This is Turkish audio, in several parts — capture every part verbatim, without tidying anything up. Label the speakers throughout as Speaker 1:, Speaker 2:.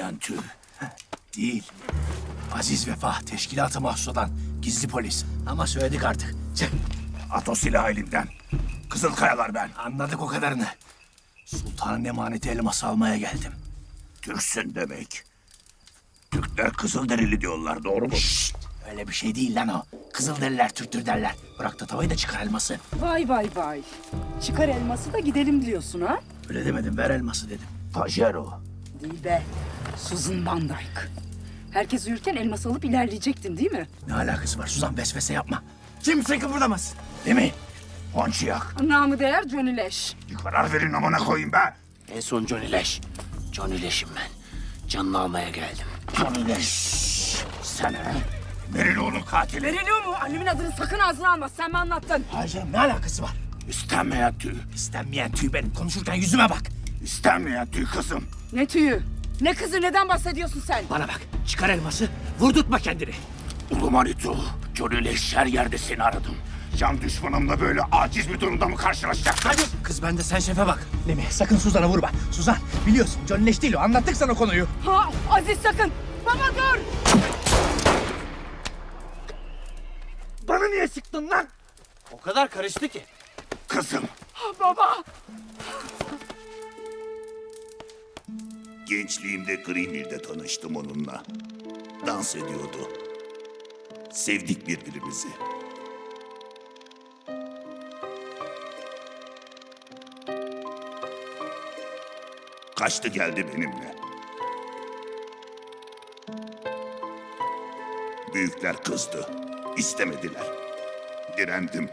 Speaker 1: İstenmeyen tür. Değil. Aziz Vefa, teşkilatı mahsus olan gizli polis. Ama söyledik artık. Çık.
Speaker 2: At o silahı elimden. Kızılkayalar ben.
Speaker 1: Anladık o kadarını. Sultanın emaneti elması almaya geldim.
Speaker 2: Türksün demek. Türkler Kızılderili diyorlar, doğru mu?
Speaker 1: Şşt! Öyle bir şey değil lan o. Kızılderililer Türktür derler. Bırak da tavayı da çıkar elması.
Speaker 3: Vay vay vay. Çıkar elması da gidelim diyorsun ha?
Speaker 1: Öyle demedim, ver elması dedim.
Speaker 2: Tajer o.
Speaker 3: Değil be. Susan Van Dyke. Herkes uyurken elması alıp ilerleyecektin değil mi?
Speaker 1: Ne alakası var Suzan, vesvese yapma. Kimse kıpırdamaz. Değil mi?
Speaker 2: Ponçiyak.
Speaker 3: Namı değer Johnny Leş.
Speaker 2: Bir karar verin amına koyayım be.
Speaker 1: En son Johnny Leş. Johnny Leş'im ben. Canını almaya geldim.
Speaker 2: Johnny Leş. Sen he? Meriloğlu'nun katili.
Speaker 3: Veriliyor mu? Annemin adını sakın ağzına alma. Sen mi anlattın?
Speaker 1: Hayır canım, ne alakası var?
Speaker 2: İstenmeyen tüy.
Speaker 1: İstenmeyen tüy benim. Konuşurken yüzüme bak.
Speaker 2: İstenmeyen tüy kızım.
Speaker 3: Ne tüyü? Ne kızı? Neden bahsediyorsun sen?
Speaker 1: Bana bak, çıkar elması, vurdurtma kendini.
Speaker 2: Ulu Manitu, Johnny Leş her yerde seni aradım. Can düşmanımla böyle aciz bir durumda mı karşılaşacaksın?
Speaker 1: Hadi. Kız bende, sen şefe bak. Lemi, sakın Suzan'a vurma. Suzan, biliyorsun Johnny Leş değil o. Anlattık sana konuyu.
Speaker 3: Ha, Aziz sakın. Baba dur.
Speaker 1: Bana niye sıktın lan? O kadar karıştı ki.
Speaker 2: Kızım.
Speaker 3: Baba.
Speaker 2: Gençliğimde Greenville'de tanıştım onunla. Dans ediyordu. Sevdik birbirimizi. Kaçtı geldi benimle. Büyükler kızdı. İstemediler. Direndim.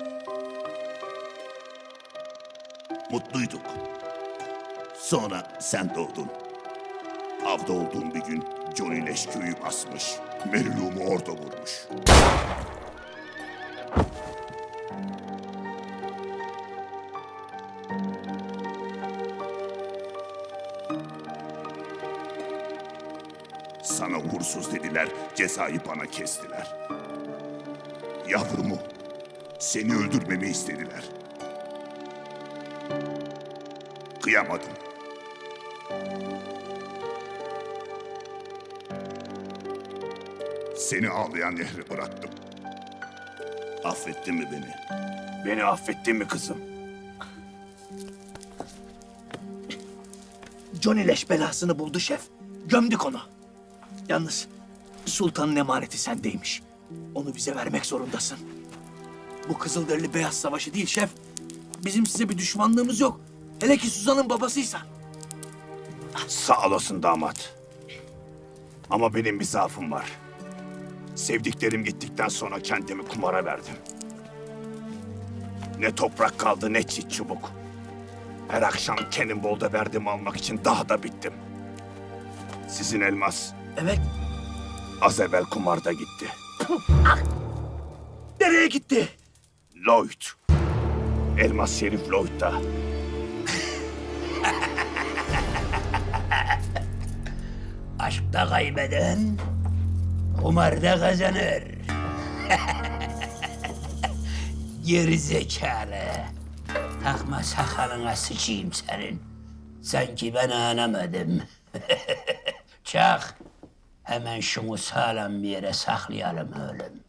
Speaker 2: Mutluyduk. Sonra sen doğdun. Avda olduğum bir gün Johnny Leş köyü basmış. Meriluğumu orada vurmuş. Sana uğursuz dediler, cezayı bana kestiler. Yavrumu, seni öldürmemi istediler. Kıyamadım. Seni ağlayan nehre bıraktım. Affettin mi beni? Beni affettin mi kızım?
Speaker 1: Johnny Leş belasını buldu şef. Gömdük onu. Yalnız sultanın emaneti sendeymiş. Onu bize vermek zorundasın. Bu Kızılderili Beyaz Savaşı değil şef. Bizim size bir düşmanlığımız yok. Hele ki Suzan'ın babasıysan.
Speaker 2: Sağ olasın damat. Ama benim bir zaafım var. Sevdiklerim gittikten sonra kendimi kumara verdim. Ne toprak kaldı ne çit çubuk. Her akşam Cannonball'da verdim almak için daha da bittim. Sizin elmas
Speaker 1: Evet.
Speaker 2: az evvel kumarda gitti.
Speaker 1: Nereye gitti?
Speaker 2: Lloyd. Elmas Şerif Lloyd'da.
Speaker 4: Aşkta kaybeden, kumarda kazanır. Geri zekalı. Takma sakalına sıçayım senin. Sanki ben anlamadım. Çak. Hemen şunu sağlam bir yere saklayalım oğlum.